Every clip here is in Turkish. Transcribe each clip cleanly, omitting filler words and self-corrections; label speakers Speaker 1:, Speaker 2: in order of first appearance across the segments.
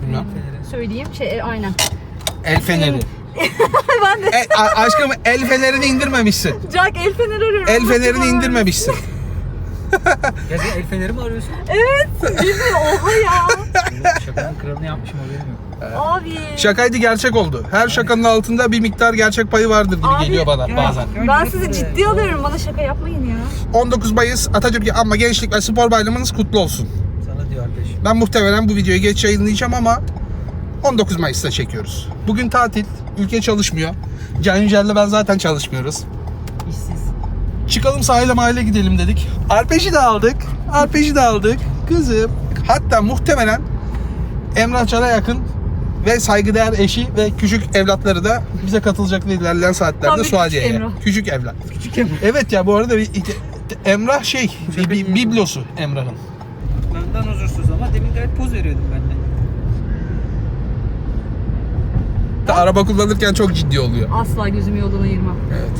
Speaker 1: Bilmem.
Speaker 2: Söyleyeyim. Aynen.
Speaker 1: El feneri.
Speaker 2: Ben de.
Speaker 1: Aşkım el fenerini indirmemişsin.
Speaker 2: Jack el feneri arıyorum.
Speaker 1: El fenerini indirmemişsin.
Speaker 3: Ya sen el feneri mi arıyorsun?
Speaker 2: Evet. Bilmiyorum. Oha ya.
Speaker 3: Şakanın kralını yapmışım, haberim yok.
Speaker 2: Abi.
Speaker 1: Şakaydı, gerçek oldu. Her şakanın altında bir miktar gerçek payı vardır gibi
Speaker 2: Abi,
Speaker 1: geliyor bana bazen.
Speaker 2: Ben sizi ciddi alıyorum. Bana şaka yapmayın ya.
Speaker 1: 19 Mayıs Atatürk Anma Gençlik ve Spor Bayramınız kutlu olsun.
Speaker 3: Sana diyor arkadaş.
Speaker 1: Ben muhtemelen bu videoyu geç yayınlayacağım ama 19 Mayıs'ta çekiyoruz. Bugün tatil, ülke çalışmıyor. Can Yücel'le ben zaten çalışmıyoruz.
Speaker 3: İşsiz.
Speaker 1: Çıkalım sahile mahile gidelim dedik. Arpej'i de aldık. Kızım. Hatta muhtemelen Emrah Can'a yakın ve saygıdeğer eşi ve küçük evlatları da bize katılacak ilerleyen
Speaker 2: Tam
Speaker 1: saatlerde
Speaker 2: bir
Speaker 1: Suadiye'ye.
Speaker 2: küçük Emrah.
Speaker 1: Küçük evlat.
Speaker 3: Küçük Emrah.
Speaker 1: Evet ya, bu arada Emrah bir biblosu Emrah'ın.
Speaker 3: Benden huzursuz ama demin gayet poz veriyordum ben de.
Speaker 1: Araba kullanırken çok ciddi oluyor.
Speaker 2: Asla gözümü yoldan ayırmam.
Speaker 1: Evet.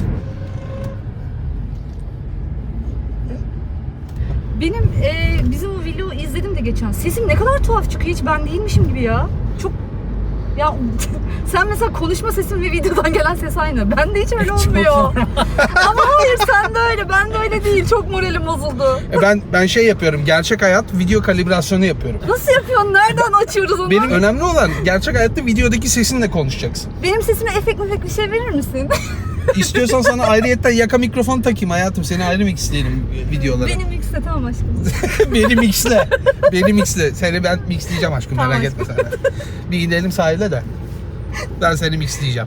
Speaker 2: Benim bizim o vlogu izledim de geçen. Sesim ne kadar tuhaf çıkıyor, hiç ben değilmişim gibi ya. Çok ya sen mesela konuşma sesin ve videodan gelen ses aynı. Ben de hiç öyle olmuyor. Ama hayır, sen de öyle, ben de öyle değil. Çok moralim bozuldu.
Speaker 1: Ben şey yapıyorum. Gerçek hayat video kalibrasyonu yapıyorum.
Speaker 2: Nasıl yapıyorsun? Nereden açıyoruz onu?
Speaker 1: Benim önemli olan gerçek hayatta videodaki sesinle konuşacaksın.
Speaker 2: Benim sesime efekt bir şey verir misin?
Speaker 1: İstiyorsan sana ayrıyetten yaka mikrofon takayım hayatım. Seni ayrı mixleyelim videolara.
Speaker 2: Benim yükse tamam aşkım.
Speaker 1: Beni mixle. Beni mixle. Seni ben mixleyeceğim aşkım,
Speaker 2: Tamam
Speaker 1: merak
Speaker 2: aşkım.
Speaker 1: etme sen. Bir gidelim sahile de. Ben seni mixleyeceğim.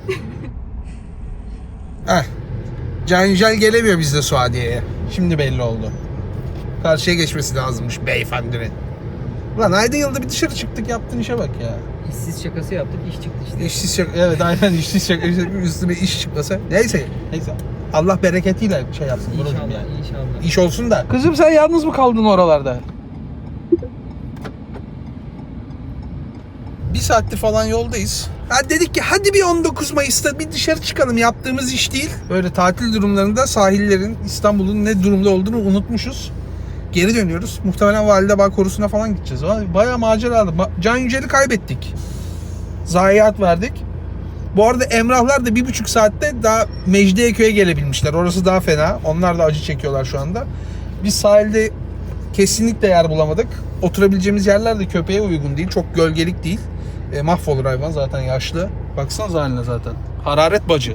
Speaker 1: Heh. Can Yücel gelemiyor bizde Suadiye'ye. Şimdi belli oldu. Karşıya geçmesi lazımmış beyefendinin. Ulan ayda yılda bir dışarı çıktık, yaptığın işe bak ya.
Speaker 3: İşsiz şakası yaptık, iş çıktı işte.
Speaker 1: İşsiz şaka, evet aynen işsiz şaka, üstüne iş çıkmasa. Neyse. Allah bereketiyle şey yapsın.
Speaker 3: İnşallah,
Speaker 1: Yani.
Speaker 3: inşallah.
Speaker 1: İş olsun da. Kızım sen yalnız mı kaldın oralarda? Bir saattir falan yoldayız. Ha dedik ki hadi bir 19 Mayıs'ta bir dışarı çıkalım, yaptığımız iş değil. Böyle tatil durumlarında sahillerin, İstanbul'un ne durumda olduğunu unutmuşuz. Geri dönüyoruz. Muhtemelen Validebağ Korusu'na falan gideceğiz. Bayağı maceralı. Can Yücel'i kaybettik. Zayiat verdik. Bu arada Emrahlar da 1,5 saatte daha Mecidiyeköy'e gelebilmişler. Orası daha fena. Onlar da acı çekiyorlar şu anda. Biz sahilde kesinlikle yer bulamadık. Oturabileceğimiz yerler de köpeğe uygun değil. Çok gölgelik değil. Mahvolur hayvan, zaten yaşlı. Baksanıza haline zaten. Hararet bacı.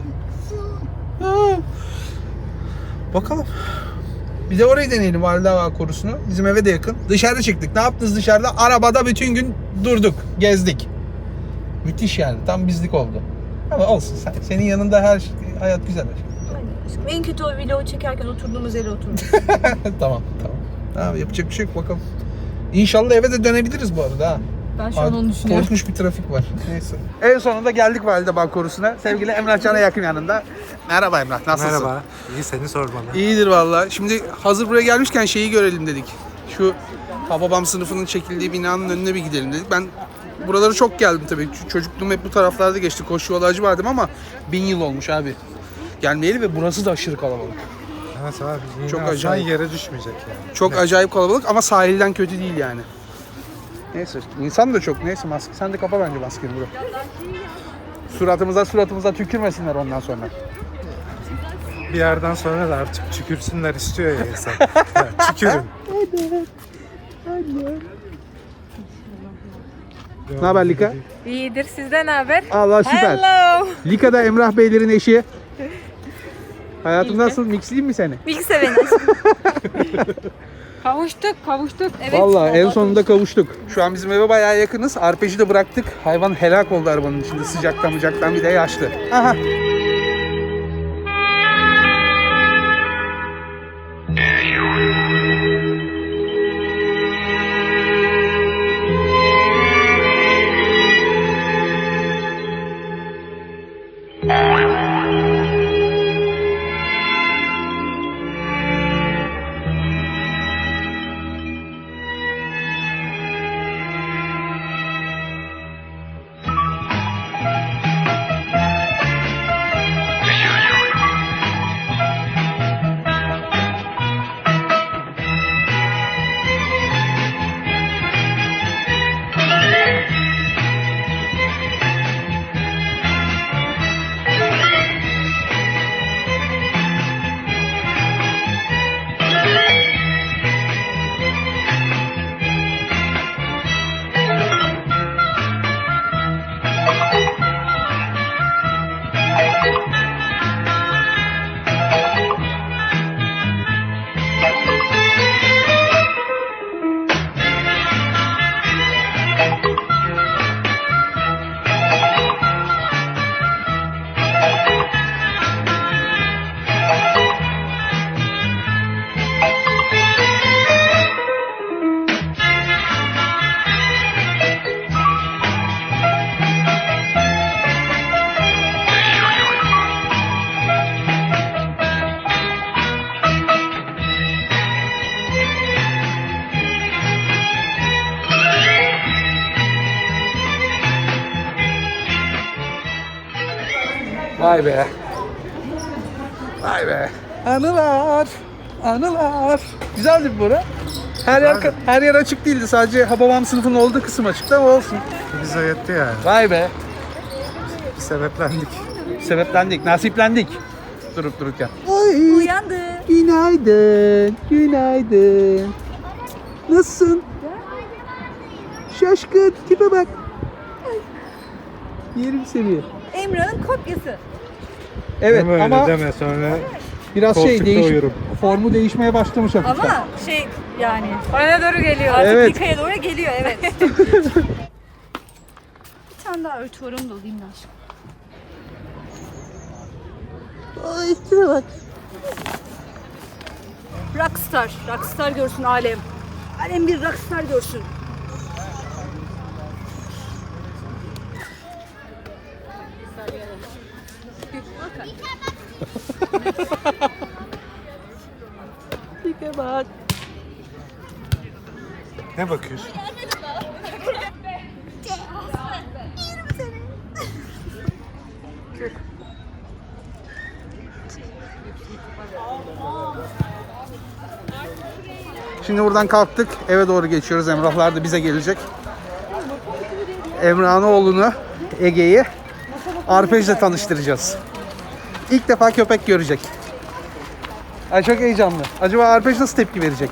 Speaker 1: Bakalım. Bir de orayı deneyelim, Validebağ Korusu'nu. Bizim eve de yakın. Dışarı çıktık. Ne yaptınız dışarıda? Arabada bütün gün durduk. Gezdik. Müthiş yani. Tam bizlik oldu. Ama olsun. Senin yanında her hayat güzel.
Speaker 2: Aynen aşkım. En kötü o vlogu çekerken oturduğumuz yere oturmuş.
Speaker 1: Tamam. Tamam, yapacak bir şey yok, bakalım. İnşallah eve de dönebiliriz bu arada ha.
Speaker 2: Ben şu an onu düşünüyorum.
Speaker 1: Korkunç bir trafik var. Neyse. En sonunda geldik Validebağ Korusu'na. Sevgili Emrah Can'a yakın yanında. Merhaba Emrah, nasılsın?
Speaker 4: Merhaba. İyi, seni sormalı.
Speaker 1: İyidir valla. Şimdi hazır buraya gelmişken şeyi görelim dedik. Şu Hababam sınıfının çekildiği binanın önüne bir gidelim dedik. Ben buralara çok geldim tabii. Çocukluğum hep bu taraflarda geçti. Koşu yolu Acıbadem ama 1000 yıl olmuş abi. Gelmeyeli ve burası da aşırı kalabalık.
Speaker 4: Evet abi. Yine
Speaker 1: Çok
Speaker 4: aslan
Speaker 1: acayip.
Speaker 4: yere düşmeyecek yani.
Speaker 1: Çok acayip kalabalık ama sahilden kötü değil yani. Neyse, insan da çok. Neyse, maske. Sen de kapa bence maskeni bro. Suratımıza tükürmesinler ondan sonra.
Speaker 4: Bir yerden sonra da artık tükürsünler istiyor ya insan. Ya, tükürün.
Speaker 1: Ne haber Lika?
Speaker 5: İyidir, sizden ne haber?
Speaker 1: Allah süper.
Speaker 5: Hello.
Speaker 1: Lika da Emrah Beylerin eşi. Hayatım
Speaker 5: İyi.
Speaker 1: nasıl? Mixleyeyim mi seni?
Speaker 5: Bilgisayar beni. Kavuştuk. Evet.
Speaker 1: Vallahi en sonunda kavuştuk. Şu an bizim eve bayağı yakınız. Arpej'i de bıraktık. Hayvan helak oldu arabanın içinde. Sıcaktan bir de yaşlı. Aha. Vay be. Vay be. Anılar. Anılar. Güzeldi bu bura. Her yer açık değildi. Sadece Hababam sınıfının olduğu kısım açıktı ama olsun.
Speaker 4: Bize yetti yani.
Speaker 1: Vay be.
Speaker 4: Sebeplendik.
Speaker 1: Sebeplendik, nasiplendik. Durup dururken.
Speaker 2: Uyandı.
Speaker 1: Günaydın. Günaydın. Nasılsın? Şaşkın. Tipe bak. Yerim seni.
Speaker 2: Emrah'ın kopyası.
Speaker 1: Evet
Speaker 4: Deme öyle
Speaker 1: ama
Speaker 4: deme sonra
Speaker 1: biraz
Speaker 4: koltukta uyurum.
Speaker 1: formu değişmeye başlamış hafiften.
Speaker 2: Ama şey yani
Speaker 5: Bana doğru geliyor.
Speaker 2: artık
Speaker 1: Evet.
Speaker 2: Dika'ya doğru geliyor evet. Bir tane daha örtü var onu da alayım da aşkım. Ay şuna bak. Rockstar. Rockstar görsün alem. Alem bir rockstar görsün. Dike bak.
Speaker 4: Ne bakıyorsun?
Speaker 1: Şimdi buradan kalktık. Eve doğru geçiyoruz. Emrahlar da bize gelecek. Emrah'ın oğlunu, Ege'yi arpejle tanıştıracağız. İlk defa köpek görecek. Ay çok heyecanlı. Acaba arpej nasıl tepki verecek?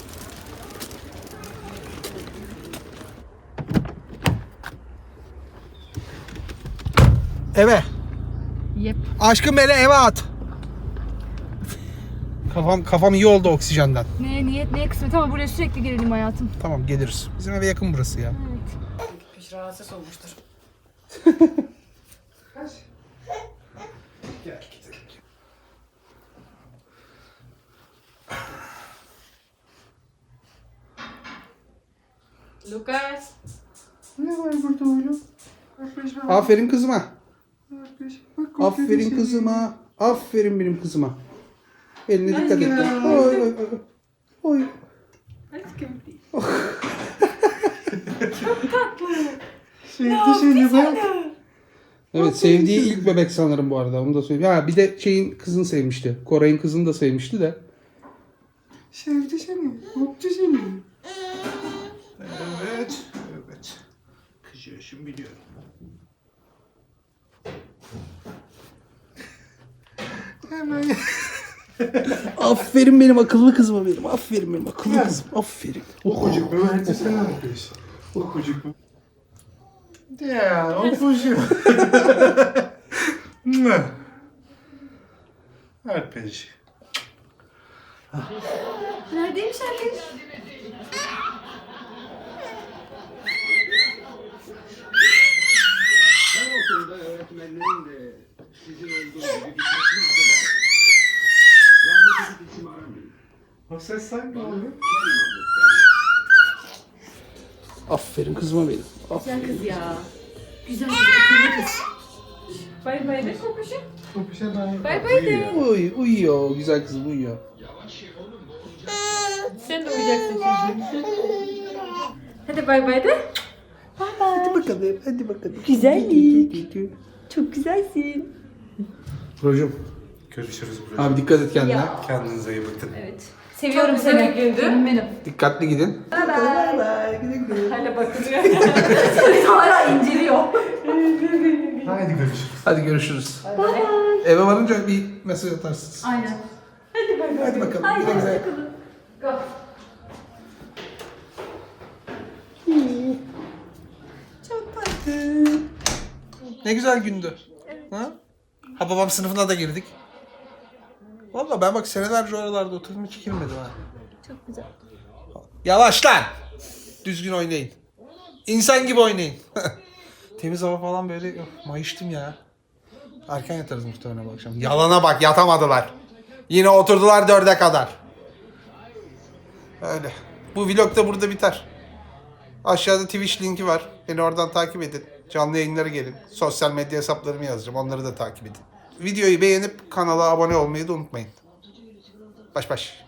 Speaker 1: Eve.
Speaker 2: Yep.
Speaker 1: Aşkım beni eve at. Kafam iyi oldu oksijenden.
Speaker 2: Ne niyet neye kısmet ama buraya sürekli gelelim hayatım.
Speaker 1: Tamam geliriz. Bizim eve yakın burası ya.
Speaker 3: Rahatsız olmuştur.
Speaker 1: Gel gidelim.
Speaker 5: Lucas.
Speaker 4: Ne var burada oğlum?
Speaker 1: Aferin kızıma. Aferin kızıma. Aferin benim kızıma. Eline dikkat et. Oy oy oy. Oy.
Speaker 4: Sevdi seni bak.
Speaker 1: Evet sevdiği ilk bebek sanırım bu arada. Onu da söyleyeyim. Ha bir de şeyin kızını sevmişti. Koray'ın kızını da sevmişti de.
Speaker 4: Sevdi seni. Öptü seni. Evet. Evet. Kızıyorsun biliyorum. Hemen.
Speaker 1: Aferin benim akıllı kızıma benim. Aferin benim akıllı kızım. Aferin.
Speaker 4: Okucuk mu? Bence sen ne yapıyorsun? Okucuk mu? Ya okucuk. Arpej.
Speaker 2: Neredeymiş herkes?
Speaker 6: Her okulda öğretmenlerin de sizin olduğu gibi gitmesini adılar. Rahmetli isim aramayın.
Speaker 4: O ses sanki oluyor.
Speaker 1: Aferin kızıma benim.
Speaker 2: Güzel kız ya. Güzel kız, akıllı kız.
Speaker 5: Bay bay de kokuşu.
Speaker 4: Kopuşa dair.
Speaker 5: Bay bay de.
Speaker 1: Uyuyor. Güzel kızım uyuyor.
Speaker 5: Sen de uyuyacaksın şimdi. Hadi bay bay de.
Speaker 1: Hadi bakalım. Hadi bakalım.
Speaker 2: Güzellik. Çok güzelsin.
Speaker 1: Brocum.
Speaker 4: Görüşürüz burada.
Speaker 1: Abi dikkat et kendine.
Speaker 4: Kendinize iyi bakın.
Speaker 2: Evet. Seviyorum
Speaker 5: Çok güzel
Speaker 2: seni.
Speaker 5: bir gündü.
Speaker 2: Canım benim.
Speaker 1: Dikkatli gidin.
Speaker 5: Hala bakılıyor.
Speaker 2: Hala inceliyor.
Speaker 4: Haydi görüşürüz.
Speaker 1: Hadi görüşürüz. Eve varınca bir mesaj atarsınız.
Speaker 2: Aynen.
Speaker 1: Hadi bakalım. Güle güle.
Speaker 2: Go.
Speaker 1: Çok tatlı. Ne güzel gündü. Ha? Hababam sınıfına da girdik. Vallahi ben bak senelerce oralarda oturdum hiç girmedim ha.
Speaker 2: Çok güzel.
Speaker 1: Yavaş lan. Düzgün oynayın. İnsan gibi oynayın. Temiz hava falan böyle mayıştım ya. Erken yatarız muhtemelen bu akşam. Yalana bak yatamadılar. Yine oturdular 4'e kadar. Öyle. Bu vlog da burada biter. Aşağıda Twitch linki var. Beni oradan takip edin. Canlı yayınlara gelin. Sosyal medya hesaplarımı yazacağım. Onları da takip edin. Videoyu beğenip kanala abone olmayı da unutmayın. Baş baş.